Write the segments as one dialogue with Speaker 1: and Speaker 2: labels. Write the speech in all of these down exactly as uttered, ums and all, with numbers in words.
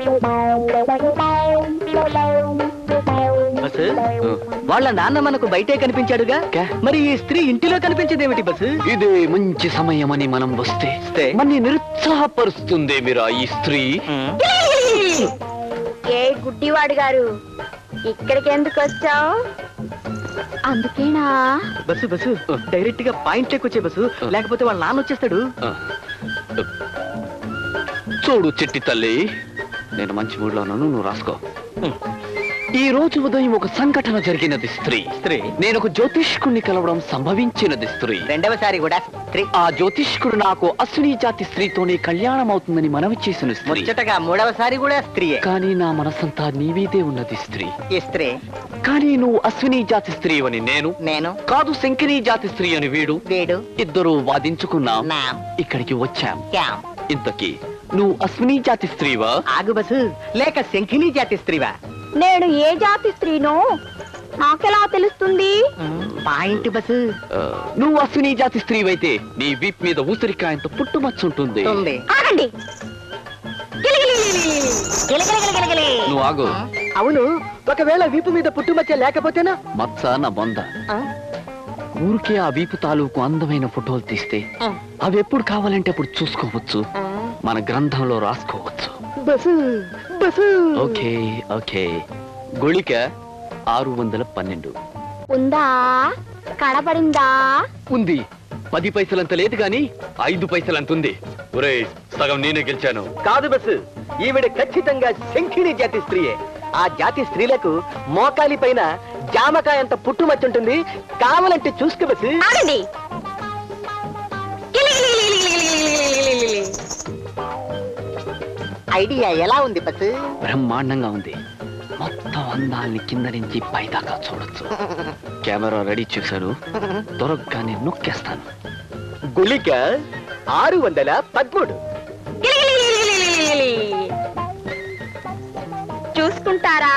Speaker 1: Bus వాళ్ళ నాన్న మనకు బయటే కనిపించాడుగా, మరి ఈ స్త్రీ ఇంటిలో కనిపించేదేమిటి బస్సు?
Speaker 2: ఇదే మంచి సమయమని మనం వస్తే మన నిరుత్సాహపరుస్తుంది మీరా ఈ స్త్రీ.
Speaker 3: ఏ గుడ్డివాడు గారు, ఇక్కడికి ఎందుకు వచ్చావు? అందుకేనా?
Speaker 1: బస్సు బస్సు డైరెక్ట్ గా పాయింట్ వచ్చే బస్సు, లేకపోతే వాళ్ళ నాన్న వచ్చేస్తాడు.
Speaker 2: చూడు చిట్టి తల్లి, నేను మంచి మూడ్లో ఉన్నాను, నువ్వు రాసుకో. ఈ రోజు ఉదయం ఒక సంఘటన జరిగినది స్త్రీ
Speaker 1: స్త్రీ
Speaker 2: నేను ఒక జ్యోతిష్కుడిని కలవడం సంభవించినది స్త్రీ.
Speaker 1: రెండవసారి కూడా స్త్రీ.
Speaker 2: ఆ జ్యోతిష్కుడు నాకు అశ్విని జాతి స్త్రీతోనే కళ్యాణం అవుతుందని మనవి చేసిన స్త్రీ.
Speaker 1: ముచ్చటగా మూడవసారి కూడా స్త్రీయే.
Speaker 2: కానీ నా మనసంతా నీవీదే ఉన్నది స్త్రీ.
Speaker 1: ఈ స్త్రీ.
Speaker 2: కానీ నువ్వు అశ్విని జాతి స్త్రీ అని నేను
Speaker 1: నేను
Speaker 2: కాదు, శంకిని జాతి స్త్రీ అని వీడు
Speaker 1: వీడు
Speaker 2: ఇద్దరు వాదించుకున్నాం,
Speaker 1: నా
Speaker 2: ఇక్కడికి వచ్చాం.
Speaker 1: క్యాం.
Speaker 2: ఇంతకీ నువ్వు అశ్విని జాతి స్త్రీవా?
Speaker 1: ఆగు బస్సు, లేక శంఖిని జాతి స్త్రీవా?
Speaker 3: నేను ఏ జాతి స్త్రీనో నాకెలా తెలుస్తుంది?
Speaker 1: Point bus.
Speaker 2: నువ్వు అశ్విని జాతి స్త్రీవైతే నీ వీప్ మీద ఊసరికాయంత పుట్టుమచ్చుంటుంది.
Speaker 3: ఆగండి.
Speaker 2: నువ్వు ఆగు.
Speaker 1: అవును, ఒకవేళ వీపు మీద పుట్టుమచ్చ లేకపోతేనా?
Speaker 2: మచ్చ నా బొంద. ఊరికే ఆ వీపు తాలూకు అందమైన ఫోటోలు తీస్తే అవి ఎప్పుడు కావాలంటే అప్పుడు చూసుకోవచ్చు, మన గ్రంథంలో రాసుకోవచ్చు.
Speaker 1: Bus bus.
Speaker 2: Okay okay. గుళిక ఆరు వందల పన్నెండు
Speaker 3: ఉందా? కనబడిందా?
Speaker 2: ఉంది. పది పైసలంత లేదు గాని ఐదు పైసలంత ఉంది. ఒరేయ్, సగం నేనే గెలిచాను.
Speaker 1: కాదు బస్సు, ఈవిడ ఖచ్చితంగా శంఖిని జాతి స్త్రీయే. ఆ జాతి స్త్రీలకు మోకాలి పైన జామకాయ అంత పుట్టుమచ్చుంటుంది, కావాలంటే చూసుకో బస్సు.
Speaker 3: ఆగండి.
Speaker 1: ఐడియా ఎలా ఉంది బస్సు?
Speaker 2: బ్రహ్మాండంగా ఉంది. మొత్తం అందాల్ని కింద నుంచి పైదాకా చూడొచ్చు. కెమెరా రెడీ చేశారు, దొరకగానే నొక్కేస్తాను.
Speaker 1: గుళిక ఆరు వందల పదమూడు.
Speaker 3: చూసుకుంటారా?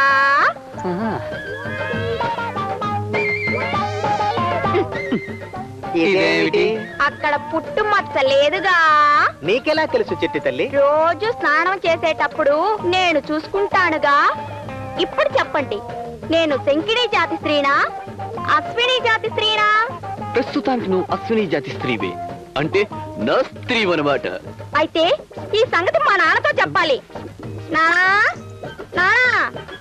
Speaker 1: ఇదేమిటి?
Speaker 3: అక్కడ పుట్టు మచ్చ లేదుగా.
Speaker 1: నీకెలా తెలుసు చెట్టి తల్లి?
Speaker 3: రోజు స్నానం చేసేటప్పుడు నేను చూసుకుంటానుగా. ఇప్పుడు చెప్పండి, నేను శంకిని జాతి స్త్రీనా, అశ్విని జాతి స్త్రీనా?
Speaker 2: ప్రస్తుతానికి నువ్వు అశ్విని జాతి స్త్రీవే, అంటే నా స్త్రీ అనమాట.
Speaker 3: అయితే ఈ సంగతి మా నాన్నతో చెప్పాలి. నానా నానా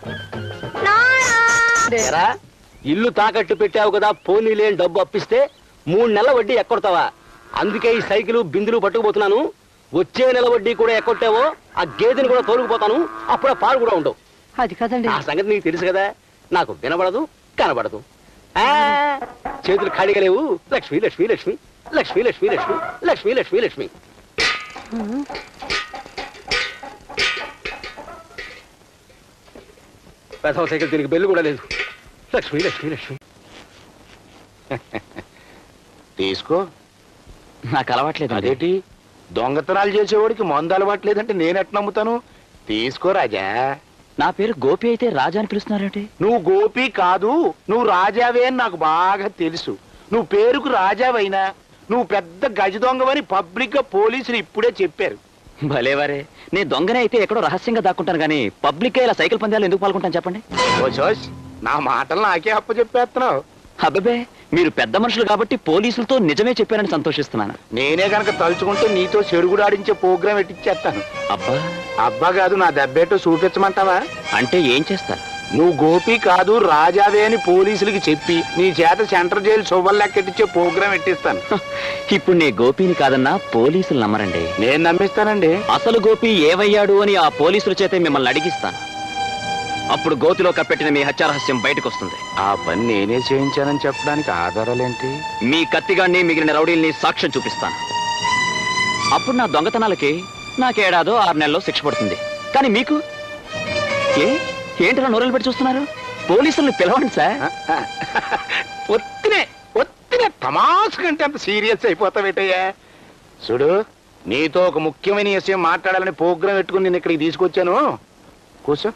Speaker 3: నానా.
Speaker 1: ఇల్లు తాకట్టు పెట్టావు కదా, పోనీ లేని డబ్బు అప్పిస్తే మూడు నెలల వడ్డీ ఎక్కొడతావా? అందుకే ఈ సైకిల్ బిందులు పట్టుకుపోతున్నాను. వచ్చే నెల వడ్డీ కూడా ఎక్కొట్టావో ఆ గేదెని కూడా తోలుకుపోతాను, అప్పుడు ఆ పాలు కూడా ఉండవు.
Speaker 4: అది కదండి,
Speaker 1: ఆ సంగతి నీకు తెలుసు కదా. నాకు వినబడదు, కనబడదు. ఆ చేతులు ఖాళీగా లేవు. లక్ష్మి లక్ష్మి లక్ష్మి లక్ష్మి లక్ష్మి లక్ష్మి లక్ష్మి లక్ష్మి లక్ష్మి. పెద్ద సైకిల్ దీనికి బెల్లు కూడా లేదు. లక్ష్మి లక్ష్మి లక్ష్మి.
Speaker 5: తీసుకో.
Speaker 2: నాకు అలవాట్లేదు.
Speaker 5: అదేంటి, దొంగతనాలు చేసేవాడికి మందు అలవాట్లేదంటే నేనెట్ నమ్ముతాను? తీసుకో రాజా.
Speaker 2: నా పేరు గోపి అయితే రాజా అని పిలుస్తున్నారేంటి?
Speaker 5: నువ్వు గోపి కాదు, నువ్వు రాజావే అని నాకు బాగా తెలుసు. నువ్వు పేరుకు రాజావైనా నువ్వు పెద్ద గజ దొంగవని పబ్లిక్ గా పోలీసులు ఇప్పుడే చెప్పారు.
Speaker 2: భలేవారే, నేను దొంగనే అయితే ఎక్కడో రహస్యంగా దాక్కుంటాను కానీ పబ్లిక్ ఇలా సైకిల్ పందాలు ఎందుకు పాల్గొంటాను చెప్పండి?
Speaker 5: ఓ జోష్, నా మాటలు నాకే అప్ప చెప్పేస్తున్నావు.
Speaker 2: అబ్బే, మీరు పెద్ద మనుషులు కాబట్టి పోలీసులతో నిజమే చెప్పానని సంతోషిస్తున్నాను.
Speaker 5: నేనే కనుక తలుచుకుంటే నీతో చెడుగుడు ఆడించే ప్రోగ్రాం ఎట్టిచ్చేస్తాను.
Speaker 2: అబ్బా
Speaker 5: అబ్బా కాదు, నా దెబ్బేటో చూపించమంటావా?
Speaker 2: అంటే ఏం చేస్తారు?
Speaker 5: నువ్వు గోపి కాదు రాజావే అని పోలీసులకి చెప్పి నీ చేత సెంట్రల్ జైలు శుభం లెక్కెట్టించే ప్రోగ్రాం ఎట్టిస్తాను.
Speaker 2: ఇప్పుడు నీ గోపిని కాదన్నా పోలీసులు నమ్మరండి.
Speaker 5: నేను నమ్మిస్తానండి.
Speaker 2: అసలు గోపి ఏవయ్యాడు అని ఆ పోలీసుల చేతే మిమ్మల్ని అడిగిస్తాను. అప్పుడు గోతిలో కప్పెట్టిన మీ హత్యారహస్యం బయటకు వస్తుంది.
Speaker 5: ఆ పని నేనే చేయించానని చెప్పడానికి ఆధారాలేంటి?
Speaker 2: మీ కత్తిగాన్ని మిగిలిన రౌడీల్ని సాక్ష్యం చూపిస్తాను. అప్పుడు నా దొంగతనాలకి నాకేడాదో ఆరు నెలల్లో శిక్ష పడుతుంది. కానీ మీకు ఏ ఏంటో నోరలు పెట్టి చూస్తున్నారు? పోలీసుల్ని పిలవండి సార్.
Speaker 5: ఒత్తినే ఒత్తినే తమాసు కంటే అంత సీరియస్ అయిపోతావేటయ్యా. చూడు, నీతో ఒక ముఖ్యమైన విషయం మాట్లాడాలని ప్రోగ్రాం పెట్టుకుని నేను ఇక్కడికి తీసుకొచ్చాను. కూర్చో.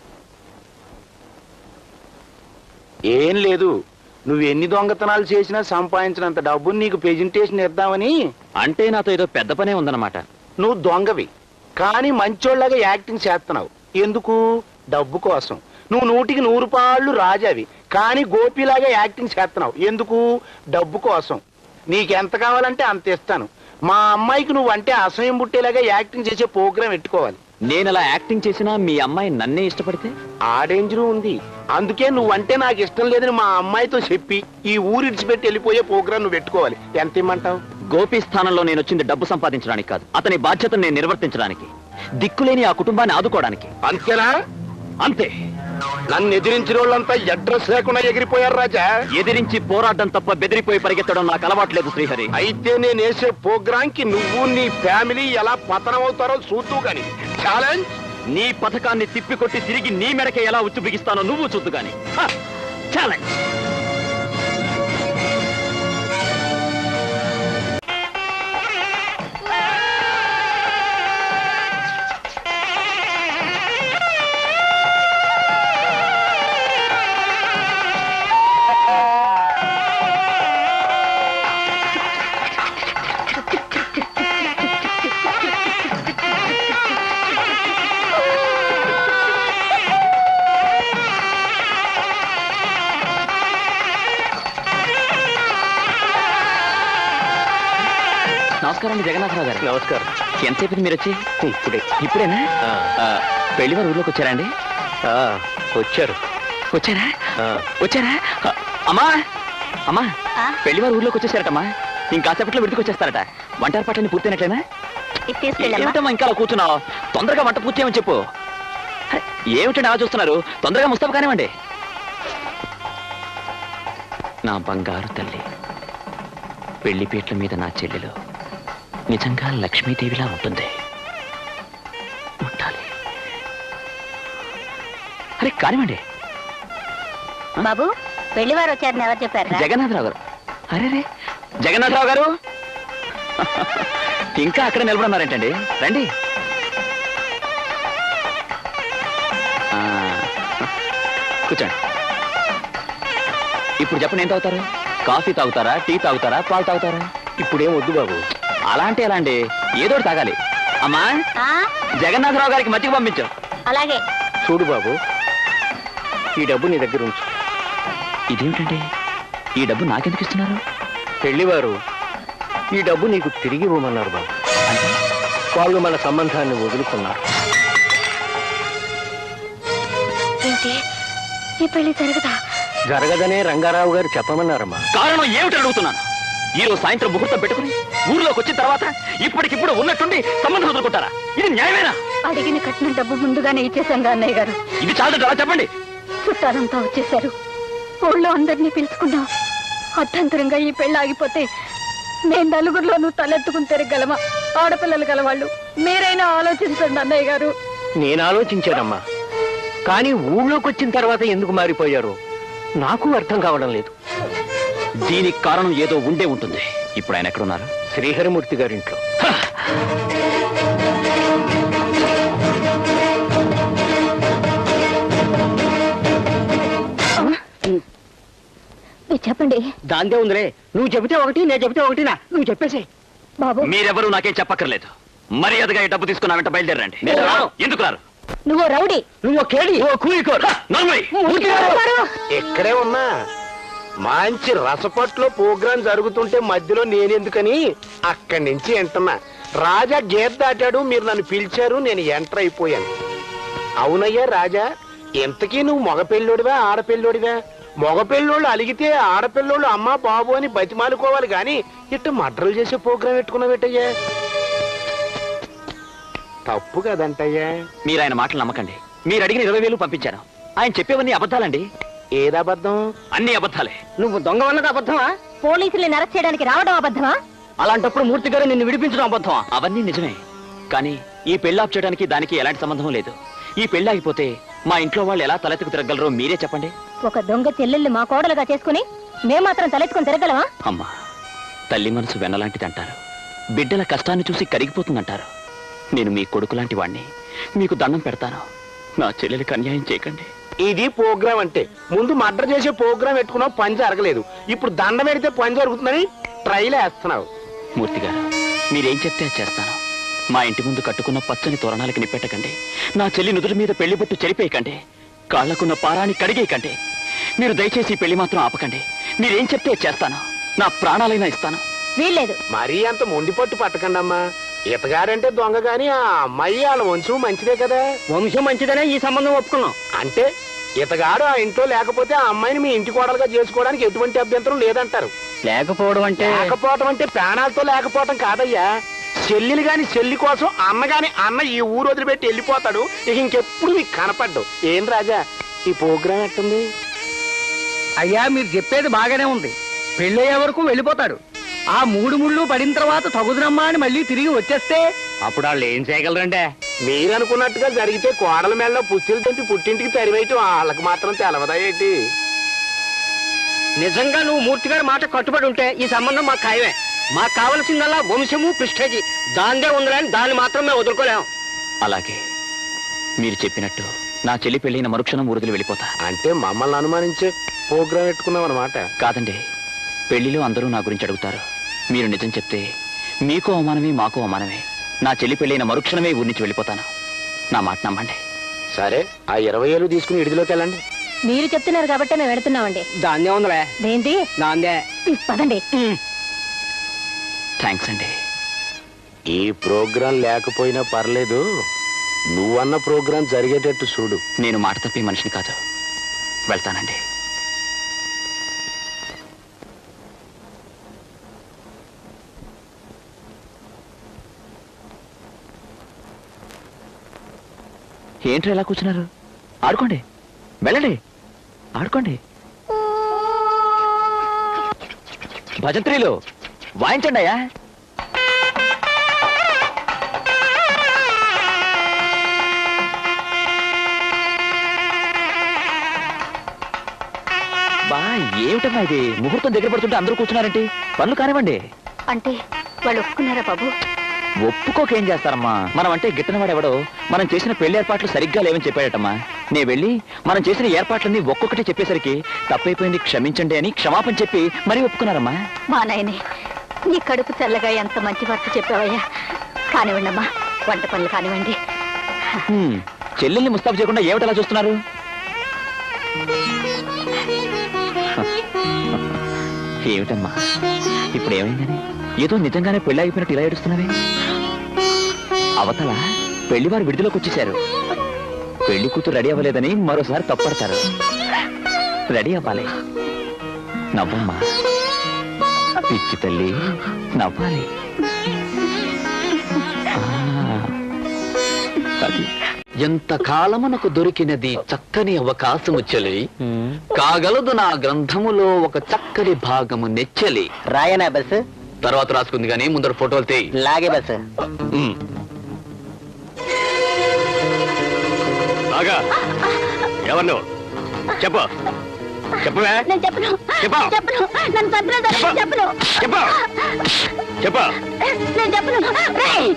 Speaker 5: ఏం లేదు, నువ్వు ఎన్ని దొంగతనాలు చేసినా సంపాదించినంత డబ్బుని నీకు ప్రెజెంటేషన్ ఇద్దామని.
Speaker 2: అంటే నాతో ఏదో పెద్ద పనే ఉందన్నమాట.
Speaker 5: నువ్వు దొంగవి కానీ మంచోళ్ళగా యాక్టింగ్ చేస్తున్నావు. ఎందుకు? డబ్బు కోసం. నువ్వు నూటికి నూరు పాళ్ళు రాజావి, కానీ గోపిలాగా యాక్టింగ్ చేస్తున్నావు. ఎందుకు? డబ్బు కోసం. నీకెంత కావాలంటే అంత ఇస్తాను. మా అమ్మాయికి నువ్వు అంటే అసహ్యం పుట్టేలాగా యాక్టింగ్ చేసే ప్రోగ్రాం పెట్టుకోవాలి.
Speaker 2: నేను అలా యాక్టింగ్ చేసినా మీ అమ్మాయి నన్నే ఇష్టపడితే?
Speaker 5: ఆ డేంజరు ఉంది. అందుకే నువ్వంటే నాకు ఇష్టం లేదని మా అమ్మాయితో చెప్పి ఈ ఊరు ఇడిచిపెట్టి వెళ్ళిపోయే ప్రోగ్రాం నువ్వు పెట్టుకోవాలి. ఎంత ఇమ్మంటావు?
Speaker 2: గోపి స్థానంలో నేను వచ్చింది డబ్బు సంపాదించడానికి కాదు, అతని బాధ్యతను నేను నిర్వర్తించడానికి, దిక్కులేని ఆ కుటుంబాన్ని ఆదుకోవడానికి.
Speaker 5: అంతేనా?
Speaker 2: అంతే.
Speaker 5: నన్ను ఎదిరించిన వాళ్ళంతా అడ్రస్ లేకుండా ఎగిరిపోయారు రాజా.
Speaker 2: ఎదిరించి పోరాటం తప్ప బెదిరిపోయి పరిగెత్తడం నాకు అలవాట్లేదు శ్రీహరి.
Speaker 5: అయితే నేను వేసే ప్రోగ్రాం కి నువ్వు నీ ఫ్యామిలీ ఎలా పతనం అవుతారో చూద్దు గాని. ఛాలెంజ్.
Speaker 2: నీ పథకాన్ని తిప్పికొట్టి తిరిగి నీ మెడకే ఎలా ఉచ్చు బిగిస్తానో నువ్వు చూద్దు గాని. ఛాలెంజ్. నమస్కారం జగన్నాథరావు గారు.
Speaker 1: నమస్కారం.
Speaker 2: ఎంతసేపు మీరు వచ్చి?
Speaker 1: ఇప్పుడే.
Speaker 2: ఇప్పుడేనా? పెళ్లి వారు ఊర్లోకి వచ్చారండి?
Speaker 1: వచ్చారు.
Speaker 2: వచ్చారా? వచ్చారా? అమ్మా అమ్మా పెళ్లి వారు ఊర్లోకి వచ్చేసారటమ్మా. ఇంకాసేపట్లో విడికి వచ్చేస్తారట. వంట ఏర్పాట్లన్నీ పూర్తయినట్లేనా? ఏమిటమ్మా ఇంకా అలా కూర్చున్నావు? తొందరగా వంట పూర్తి చేయమని చెప్పు. ఏమిటండి అలా చూస్తున్నారు? తొందరగా ముస్తాబు కానివ్వండి. నా బంగారు తల్లి, పెళ్లి పీట్ల మీద నా చెల్లెలు నిజంగా లక్ష్మీదేవిలా ఉంటుంది. ఉండాలి. అరే కానివ్వండి.
Speaker 3: బాబు, పెళ్లివారు వచ్చారని ఎవరు చెప్పారు?
Speaker 2: జగన్నాథరావు గారు. అరే రే జగన్నాథరావు గారు, ఇంకా అక్కడ నిలబడున్నారేంటండి? రండి. ఆ, కూర్చోండి. ఇప్పుడు చెప్పండి, ఏం తాగుతారు? కాఫీ తాగుతారా, టీ తాగుతారా, పాలు తాగుతారా?
Speaker 1: ఇప్పుడేం వద్దు బాబు.
Speaker 2: అలా అంటే ఎలా అండి? ఏదో తాగాలి. అమ్మా జగన్నాథరావు గారికి మజ్జిగ పంపించు.
Speaker 3: అలాగే.
Speaker 1: చూడు బాబు, ఈ డబ్బు నీ దగ్గర ఉంచు.
Speaker 2: ఇదేమిటండి, ఈ డబ్బు నాకెందుకు ఇస్తున్నారు?
Speaker 1: పెళ్లివారు ఈ డబ్బు నీకు తిరిగి ఇవ్వమన్నారు బాబు.
Speaker 2: అంటే
Speaker 1: వాళ్ళు మన సంబంధాన్ని వదులుకున్నారు.
Speaker 3: ఏంటి, ఈ పెళ్లి జరగదా?
Speaker 1: జరగదనే రంగారావు గారు చెప్పమన్నారమ్మా.
Speaker 2: కారణం ఏమిటని అడుగుతున్నాను. ఈ రోజు సాయంత్రం ముహూర్తం పెట్టుకుని ఊర్లోకి వచ్చిన తర్వాత ఇప్పటికిప్పుడు ఉన్నట్టుండి సంబంధం వదులుకుంటారా? ఇది న్యాయమేనా?
Speaker 3: అడిగిన కట్టిన డబ్బు ముందుగానే ఇచ్చేసాను అన్నయ్య గారు.
Speaker 2: ఇది చాలా అలా చెప్పండి.
Speaker 3: చుట్టాలంతా వచ్చేసారు. ఊళ్ళో అందరినీ పిలుచుకున్నాం. అర్థంతరంగా ఈ పెళ్లి ఆగిపోతే నేను నలుగురిలోనూ తలెత్తుకుని తిరగలమా? ఆడపిల్లలు గలవాళ్ళు మీరైనా ఆలోచించండి అన్నయ్య గారు.
Speaker 1: నేను ఆలోచించానమ్మా, కానీ ఊళ్ళోకి వచ్చిన తర్వాత ఎందుకు మారిపోయారు నాకు అర్థం కావడం లేదు.
Speaker 2: దీనికి కారణం ఏదో ఉండే ఉంటుంది. ఇప్పుడు ఆయన ఎక్కడున్నారు?
Speaker 1: శ్రీహరిమూర్తి గారింట్లో.
Speaker 3: చెప్పండి.
Speaker 1: దాందే ఉందిలే. నువ్వు చెబితే ఒకటి, నేను చెబితే ఒకటినా? నువ్వు చెప్పేసి.
Speaker 3: బాబు,
Speaker 2: మీరెవరూ నాకేం చెప్పక్కర్లేదు. మర్యాదగా ఈ డబ్బు తీసుకున్నా వెంట బయలుదేరండి. ఎందుకు రారు?
Speaker 3: నువ్వు రౌడీ,
Speaker 1: నువ్వు కేడి,
Speaker 5: ఎక్కడే ఉన్నా మంచి రసపట్లో ప్రోగ్రాం జరుగుతుంటే మధ్యలో నేనెందుకని అక్కడి నుంచి ఎంటున్నా. రాజా గేట్ దాటాడు, మీరు నన్ను పిలిచారు, నేను ఎంటర్ అయిపోయాను. అవునయ్యా రాజా, ఇంతకీ నువ్వు మగపెళ్ళోడివా ఆడపిల్లోడివా? మగపిల్లోళ్ళు అలిగితే ఆడపిల్లోళ్ళు అమ్మా బాబు అని బతిమాలుకోవాలి గాని ఇట్ట మడ్రలు చేసే ప్రోగ్రాం పెట్టుకున్నావేటయ్యా? తప్పు కదంటయ్యా.
Speaker 2: మీరు ఆయన మాటలు నమ్మకండి. మీరు అడిగిన ఇరవై వేలు పంపించాను. ఆయన చెప్పేవన్నీ అబద్ధాలండి.
Speaker 5: ఏదబద్ధం?
Speaker 2: అన్ని అబద్ధాలే.
Speaker 1: నువ్వు దొంగ అన్నది అబద్ధమా?
Speaker 3: పోలీసుల్ని అరెస్ట్ చేయడానికి రావడం అబద్ధమా?
Speaker 1: అలాంటప్పుడు మూర్తి గారు నిన్ను విడిపించడం అబద్ధమా?
Speaker 2: అవన్నీ నిజమే, కానీ ఈ పెళ్లాప్ చేయడానికి దానికి ఎలాంటి సంబంధం లేదు. ఈ పెళ్ళాగిపోతే మా ఇంట్లో వాళ్ళు ఎలా తలెత్తుకు తిరగలరో మీరే చెప్పండి.
Speaker 3: ఒక దొంగ చెల్లెల్ని మా కోడలుగా చేసుకుని మేమాత్రం తలెత్తుకుని తిరగలమా?
Speaker 2: అమ్మా, తల్లి మనసు వెన్నలాంటిది అంటారు. బిడ్డల కష్టాన్ని చూసి కరిగిపోతుందంటారు. నేను మీ కొడుకు లాంటి వాణ్ణి. మీకు దండం పెడతాను, నా చెల్లెలికి అన్యాయం చేయకండి.
Speaker 5: ఇది ప్రోగ్రాం అంటే. ముందు మర్డర్ చేసే ప్రోగ్రాం పెట్టుకున్నావు, పని జరగలేదు. ఇప్పుడు దండ పెడితే పని జరుగుతుందని ట్రైల్ వేస్తున్నావు.
Speaker 2: మూర్తి గారు, మీరేం చెప్తే అది చేస్తాను. మా ఇంటి ముందు కట్టుకున్న పచ్చని తోరణాలకి నిప్పెట్టకండి. నా చెల్లి నుదుటి మీద పెళ్లి బొట్టు చెరిపేయకండి. కాళ్లకున్న పారాన్ని కడిగేయకండి. మీరు దయచేసి ఈ పెళ్లి మాత్రం ఆపకండి. మీరేం చెప్తే చేస్తాను. నా ప్రాణాలైనా ఇస్తాను.
Speaker 3: వీల్లేదు.
Speaker 5: మరీ అంత మొండి పట్టు పట్టకండి అమ్మా. ఇతగారంటే దొంగ గాని ఆ అమ్మాయి వాళ్ళ వంశం మంచిదే కదా.
Speaker 1: వంశం మంచిదనే ఈ సంబంధం ఒప్పుకున్నాం.
Speaker 5: అంటే ఇతగాడు ఆ ఇంట్లో లేకపోతే ఆ అమ్మాయిని మీ ఇంటి కోడలుగా చేసుకోవడానికి ఎటువంటి అభ్యంతరం లేదంటారు.
Speaker 1: లేకపోవడం అంటే
Speaker 5: లేకపోవటం అంటే ప్రాణాలతో లేకపోవటం కాదయ్యా. చెల్లెలు గాని చెల్లి కోసం అన్న గాని అన్న ఈ ఊరు వదిలిపెట్టి వెళ్ళిపోతాడు. ఇక ఇంకెప్పుడు మీకు కనపడ్డు. ఏం రాజా ఈ ప్రోగ్రాం ఎట్టుంది?
Speaker 1: అయ్యా మీరు చెప్పేది బాగానే ఉంది. పెళ్ళయ్యే వరకు వెళ్ళిపోతాడు. ఆ మూడు ముళ్ళు పడిన తర్వాత తగుదునమ్మా అని మళ్ళీ తిరిగి వచ్చేస్తే అప్పుడు వాళ్ళు ఏం చేయగలరంటే?
Speaker 5: మీరు అనుకున్నట్టుగా జరిగితే కోడల మేళ్ళలో పుచ్చిలు తెంపి పుట్టింటికి తరివేయటం వాళ్ళకి మాత్రం తెలవదా ఏంటి?
Speaker 1: నిజంగా నువ్వు మూర్తి గారి మాట కట్టుబడి ఉంటే ఈ సంబంధం మాకు ఖాయమే. మాకు కావలసిందల్లా వంశము ప్రిస్టేజీ. దాందే ఉందని దాన్ని మాత్రం మేము వదులుకోలేము.
Speaker 2: అలాగే మీరు చెప్పినట్టు నా చెల్లి పెళ్ళైన మరుక్షణం ఊరుదిలి వెళ్ళిపోతా.
Speaker 5: అంటే మమ్మల్ని అనుమానించే ప్రోగ్రాం పెట్టుకున్నాం అనమాట.
Speaker 2: కాదండి, పెళ్లిలో అందరూ నా గురించి అడుగుతారు. మీరు నిజం చెప్తే మీకు అవమానమే మాకు అవమానమే. నా చెల్లి పెళ్ళైన మరుక్షణమే ఊరి నుంచి వెళ్ళిపోతాను. నా మాట నమ్మండి.
Speaker 5: సరే ఆ ఇరవై ఏళ్ళు తీసుకుని ఇడిదిలోకి వెళ్ళండి.
Speaker 3: మీరు చెప్తున్నారు కాబట్టి మేము వెళుతున్నామండి.
Speaker 1: దాన్నే ఉందిలే.
Speaker 3: ఏంటి?
Speaker 1: దాందే.
Speaker 3: పదండి.
Speaker 2: థ్యాంక్స్ అండి.
Speaker 5: ఈ ప్రోగ్రాం లేకపోయినా పర్లేదు, నువ్వన్న ప్రోగ్రాం జరిగేటట్టు చూడు.
Speaker 2: నేను మాట తప్పి మనిషిని కాదు. వెళ్తానండి. ఏంట్రా ఎలా కూర్చున్నారు? ఆడుకోండి, వెళ్ళండి, ఆడుకోండి. భజంత్రీలు వాయించండి అయ్యా. బా ఏమిటమ్మా ఇది? ముహూర్తం దగ్గర పడుతుంటే అందరూ కూర్చున్నారంటే పనులు కానివ్వండి.
Speaker 3: అంటే వాళ్ళు ఒప్పుకున్నారా బాబు?
Speaker 2: ఒప్పుకోకేం చేస్తారమ్మా? మనం అంటే గిట్టనవాడెవడో మనం చేసిన పెళ్లి ఏర్పాట్లు సరిగ్గా లేవని చెప్పాడటమ్మా. నే వెళ్ళి మనం చేసిన ఏర్పాట్లన్నీ ఒక్కొక్కటి చెప్పేసరికి తప్పైపోయింది క్షమించండి అని క్షమాపణ చెప్పి మరీ ఒప్పుకున్నారమ్మా.
Speaker 3: మా నాయనే, నీ కడుపు చల్లగా ఎంత మంచి వార్త చెప్పావయ్యా. కానివ్వండి అమ్మా, వంట పనులు కానివ్వండి.
Speaker 2: చెల్లెల్ని ముస్తాబు చేయకుండా ఏమిటలా చూస్తున్నారు? ఏమిటమ్మా ఇప్పుడు ఏమైందని? ఏదో నిజంగానే పెళ్లి అయిపోయినట్టు ఇలా ఏడుస్తున్నావే? అవతల పెళ్లివారు విడుదలకు వచ్చేశారు. పెళ్లి కూతురు రెడీ అవ్వలేదని మరోసారి తప్పడతారు. రెడీ అవ్వాలి. నవ్వమ్మా పిచ్చి తల్లి, నవ్వాలి.
Speaker 4: ఎంత కాలమునకు దొరికినది చక్కని అవకాశము చెలి, కాగలదు నా గ్రంథములో ఒక చక్కని భాగము నెచ్చలి.
Speaker 1: రాయనా బస్?
Speaker 4: తర్వాత రాసుకుంది గానీ ముందర ఫోటోలు తీ.
Speaker 1: లాగే బస్.
Speaker 5: ఎవరు నువ్వు? చెప్పు చెప్పవే.
Speaker 3: నేను చెప్పను.
Speaker 5: చెప్పు.
Speaker 3: చెప్పను. నన్ను చంపినా సరే చెప్పను.
Speaker 5: చెప్పు చెప్పు.
Speaker 3: నేను చెప్పను. రేయ్!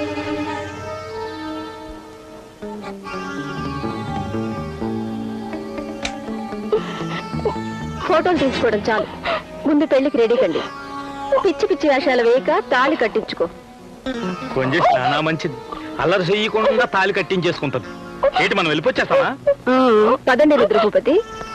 Speaker 3: ఫోటోలు తీసుకోవడం చాలు, ముందు పెళ్లికి రెడీ కండి. పిచ్చి పిచ్చి వేషాలు వేయక తాళి కట్టించుకో.
Speaker 5: కొంచెం చాలా మంచిది. అల్లరి చెయ్యకుండా తాళి కట్టించేసుకుంటుంది. ఏంటి మనం వెళ్ళిపోచ్చేస్తామా?
Speaker 3: పదండి రుద్రభూపతి.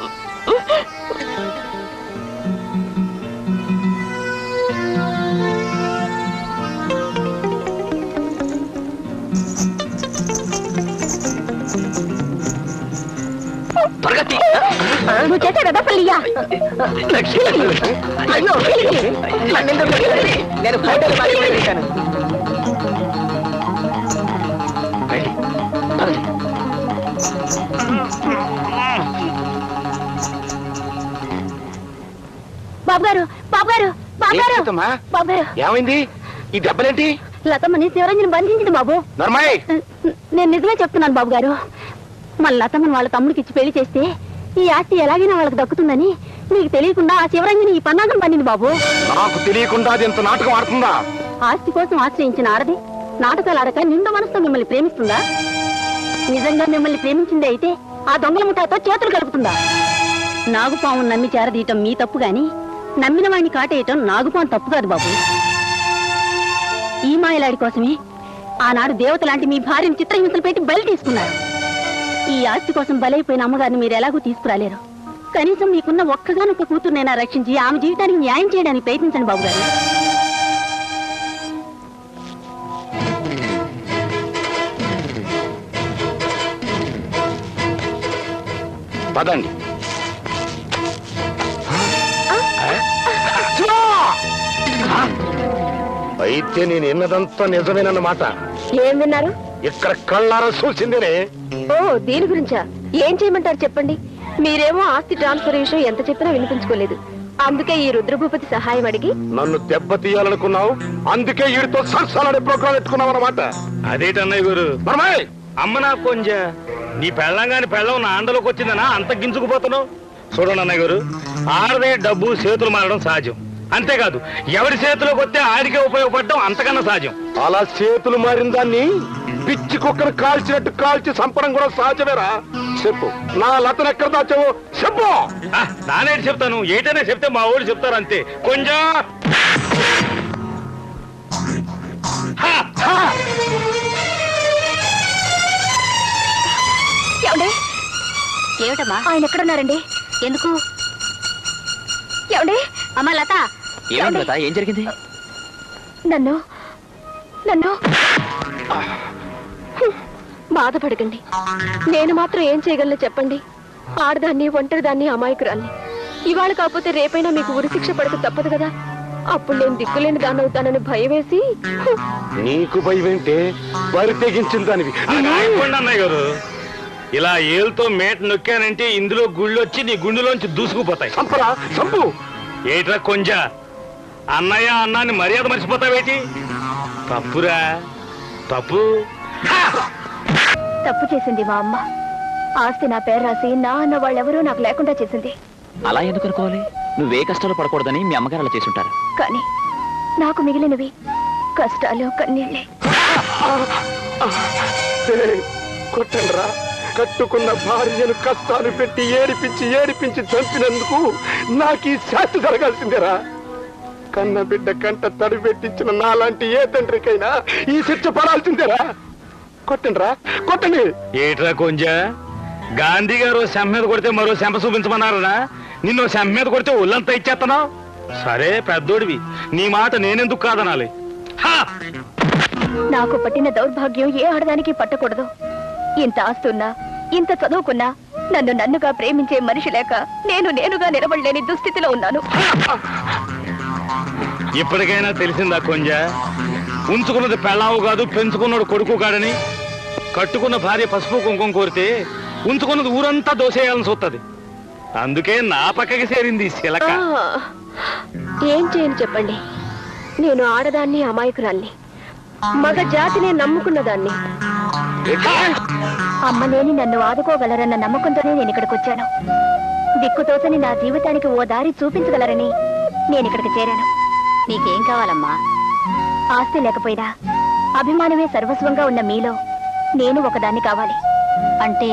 Speaker 3: నువ్వు చేసే కదా పల్లియా. అయ్యో
Speaker 1: నేను ఫోటోలు మాట్లాడాను.
Speaker 3: బాబు గారు, బాబు గారు, బాబు గారు, బాబు గారు,
Speaker 5: ఏమైంది? ఈ దెబ్బలేంటి?
Speaker 3: లతమ్మని శివరంజన్ బంధించింది బాబు.
Speaker 5: నర్మాయ్,
Speaker 3: నేను నిజమే చెప్తున్నాను బాబు గారు. మన లతమ్మని వాళ్ళ తమ్ముడికి ఇచ్చి పెళ్లి చేస్తే ఈ ఆస్తి ఎలాగైనా వాళ్ళకి దక్కుతుందని మీకు తెలియకుండా ఆ శివరంజని ఈ పన్నాగం పన్నింది బాబు.
Speaker 5: నాకు తెలియకుండా అది ఎంత నాటకం ఆడుతుందా?
Speaker 3: ఆస్తి కోసం ఆశ్రయించిన ఆడది నాటకాలు ఆడక నిండు మనసుతో మిమ్మల్ని ప్రేమిస్తుందా? నిజంగా మిమ్మల్ని ప్రేమించింది అయితే ఆ దొంగల ముఠాతో చేతులు కలుపుతుందా? నాగుపాము నమ్మి చేరదీయటం మీ తప్పు గాని నమ్మిన వాడిని కాటేయటం నాగుపాము తప్పు కాదు బాబు. ఈ మాయలాడి కోసమే ఆనాడు దేవత లాంటి మీ భార్యను చిత్రహింసలు పెట్టి బలి తీసుకున్నారు. ఈ ఆస్తి కోసం బలైపోయిన అమ్మగారిని మీరు ఎలాగూ తీసుకురాలేరు. కనీసం మీకున్న ఒక్కగానొక్క కూతురునైనా రక్షించి ఆమె జీవితానికి న్యాయం చేయడానికి ప్రయత్నించండి బాబు గారు.
Speaker 5: పదండి. అయితే నేను ఎన్నదంతా నిజమేనన్నమాట.
Speaker 3: ఏం విన్నారు?
Speaker 5: ఇక్కడ కళ్ళారా చూసిందేనే.
Speaker 3: ఓ దీని గురించా? ఏం చేయమంటారు చెప్పండి. మీరేమో ఆస్తి ట్రాన్స్ఫర్ విషయం ఎంత చెప్పినా వినిపించుకోలేదు. అందుకే ఈ రుద్రభూపతి సహాయం అడిగి
Speaker 5: నన్ను దెబ్బతీయాలనుకున్నావు. అందుకే వీడితో సరసాలనే ప్రోగ్రాం పెట్టుకున్నావు అన్నమాట.
Speaker 6: అదేటన్నయ్య గురు, అమ్మ నా కొంజ నీ పెళ్ళంగాని పెళ్ళం నా అండలోకి వచ్చిందనా అంత గింజుకుపోతున్నావు? చూడండి అన్నయ్య గారు, ఆడదే డబ్బు చేతులు మారడం సహజం. అంతేకాదు ఎవరి చేతిలోకి వస్తే ఆడికే ఉపయోగపడడం అంతకన్నా సహజం.
Speaker 5: అలా చేతులు మారిన దాన్ని పిచ్చి కుక్కను కాల్చినట్టు కాల్చి చంపడం కూడా సహజమేరా. చెప్పు, నా లతను ఎక్కడ దాచావు చెప్పు.
Speaker 6: ఆ, నానేటి చెప్తాను, ఏటైనా చెప్తే మా ఊళ్ళు చెప్తారు అంతే. కొంచెం
Speaker 3: ఏమిటమ్మా ఆయన ఎక్కడున్నారండి? ఎందుకు? ఏమండి? అమ్మా లత,
Speaker 2: ఏమైంది లత? ఏం జరిగింది?
Speaker 3: నన్ను నన్ను బాధపడకండి. నేను మాత్రం ఏం చేయగలను చెప్పండి. ఆడదాన్ని, ఒంటరిదాన్ని, అమాయకురాల్ని. ఇవాళ కాకపోతే రేపైనా మీకు ఉరిశిక్ష పడక తప్పదు కదా. అప్పుడు నేను దిక్కులేని దాన్ని అవుతానని భయం వేసి.
Speaker 5: నీకు భయం ఏంటే? బరి తెగించిన దానివి.
Speaker 6: అయిపోండి అన్నయ్య గారు, ఇలా ఏళ్ళతో మేట నొక్కానంటే ఇందులో గుళ్ళు వచ్చి నీ గుండెలోంచి దూసుకుపోతాయి.
Speaker 5: చంపరా చంపు.
Speaker 6: ఏట్రా కొంజ, అన్నయ్య అన్నాన్ని మర్యాద మర్చిపోతావేటి? తప్పురా, తప్పు.
Speaker 3: తప్పు చేసింది మా అమ్మ. ఆస్తి నా పేరు రాసి నా అన్న వాళ్ళెవరూ నాకు లేకుండా చేసింది.
Speaker 2: అలా ఎందుకు అనుకోవాలి? నువ్వే కష్టాలు పడకూడదని మీ అమ్మగారు అలా చేసుంటారు.
Speaker 3: కానీ నాకు మిగిలినవి కష్టాలు, కన్నీళ్ళే.
Speaker 5: కొట్టండ్రా. కట్టుకున్న భార్యను కష్టాలు పెట్టి ఏడిపించి ఏడిపించి చంపినందుకు నాకు ఈ శాస్తి జరగాల్సిందేరా. కన్న బిడ్డ కంట తడి పెట్టించిన నాలాంటి ఏ తండ్రికైనా ఈ శిక్ష పడాల్సిందేరా. కొట్టండ్రా, కొట్టండి.
Speaker 6: ఏట్రా కొంజ, గాంధీ గారు శంప మీద కొడితే మరో శంప చూపించమన్నారా? నిన్ను శంప మీద కొడితే ఒళ్ళంతా ఇచ్చేస్తున్నావు. సరే పెద్దోడివి, నీ మాట నేనెందుకు కాదనాలి?
Speaker 3: నాకు పట్టిన దౌర్భాగ్యం ఏ ఆడదానికి పట్టకూడదు. ఇంత ఆస్తున్నా, ఇంత చదువుకున్నా నన్ను నన్నుగా ప్రేమించే మనిషి లేక నేను నేనుగా నిలబడలేని దుస్థితిలో ఉన్నాను.
Speaker 6: ఇప్పటికైనా తెలిసిందా కొంజ, ఉంచుకున్నది పెళ్ళావు కాదు, పెంచుకున్నాడు కొడుకు కాడని? కట్టుకున్న భార్య పసుపు కుంకుమ కోరితే ఉంచుకున్నది ఊరంతా దోసేయాలని చూస్తుంది. అందుకే నా పక్కకి చేరింది శిలక.
Speaker 3: ఏం చేయను చెప్పండి. నేను ఆడదాన్ని, అమాయకురాల్ని, మగ జాతిని నమ్ముకున్న దాన్ని. అమ్మ లేని నన్ను ఆదుకోగలరన్న నమ్మకంతోనే నేను ఇక్కడికి వచ్చాను. దిక్కుతోచని నా జీవితానికి ఓ దారి చూపించగలరని నేను ఇక్కడికి చేరాను. నీకేం కావాలమ్మా? ఆస్తి లేకపోయినా అభిమానమే సర్వస్వంగా ఉన్న మీలో నేను ఒకదాన్ని కావాలి. అంటే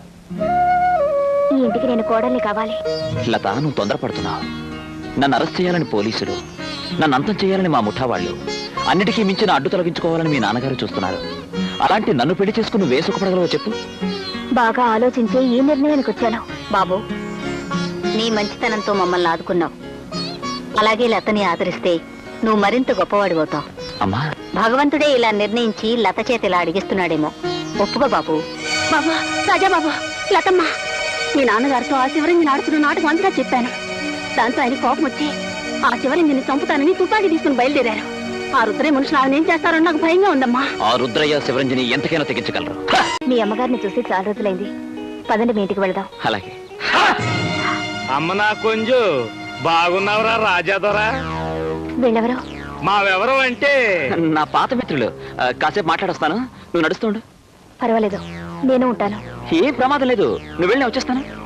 Speaker 3: ఈ ఇంటికి నేను కోడల్ని కావాలి.
Speaker 2: లత, నువ్వు తొందరపడుతున్నావు. నన్ను అరెస్ట్ చేయాలని పోలీసులు, నన్ను అంతం చేయాలని మా ముఠా వాళ్ళు, అన్నిటికీ మించిన అడ్డు తొలగించుకోవాలని మీ నాన్నగారు చూస్తున్నారు. అలాంటి నన్ను పెళ్లి చేసుకుని నువ్వే సుఖపడగలవో చెప్పు.
Speaker 3: బాగా ఆలోచించి ఈ నిర్ణయానికి వచ్చాను. బాబు, నీ మంచితనంతో మమ్మల్ని ఆదుకున్నావు. అలాగే లతని ఆదరిస్తే నువ్వు మరింత గొప్పవాడిపోతావు.
Speaker 2: అమ్మా,
Speaker 3: భగవంతుడే ఇలా నిర్ణయించి లత చేతి ఇలా అడిగిస్తున్నాడేమో. ఒప్పుకో బాబు. బాబా, రాజా బాబు, లతమ్మ, మీ నాన్నగారితో ఆ శివరంగిని ఆడుతున్న నాటకం అంతా చెప్పాను. దాంతో ఆయన కోపం వచ్చి ఆ శివరంగిని చంపుతానని తుపాకీ తీసుకుని బయలుదేరారు. ఆ రుద్రయ్య మనుషులు ఆయన ఏం చేస్తారో నాకు భయంగా ఉందమ్మా.
Speaker 2: ఆ రుద్రయ్య శివరంజని ఎంతకైనా తెగించగలరు.
Speaker 3: మీ అమ్మగారిని చూసి చాలా రోజులైంది. పదండి, మీ ఇంటికి వెళదాం.
Speaker 2: అలాగే.
Speaker 6: అమ్మ నా కొంజు, బాగున్నావురా రాజాదొరా?
Speaker 3: వీళ్ళెవరు?
Speaker 6: మావెవరం అంటే
Speaker 2: నా పాత మిత్రులు. ఆ, కాసేపు మాట్లాడొస్తాను, నువ్వు నడుస్తుండు.
Speaker 3: పర్వాలేదు, నేను ఉంటాను.
Speaker 2: ఏం ప్రమాదం లేదు, నువ్వు వెళ్ళి వచ్చేస్తాను.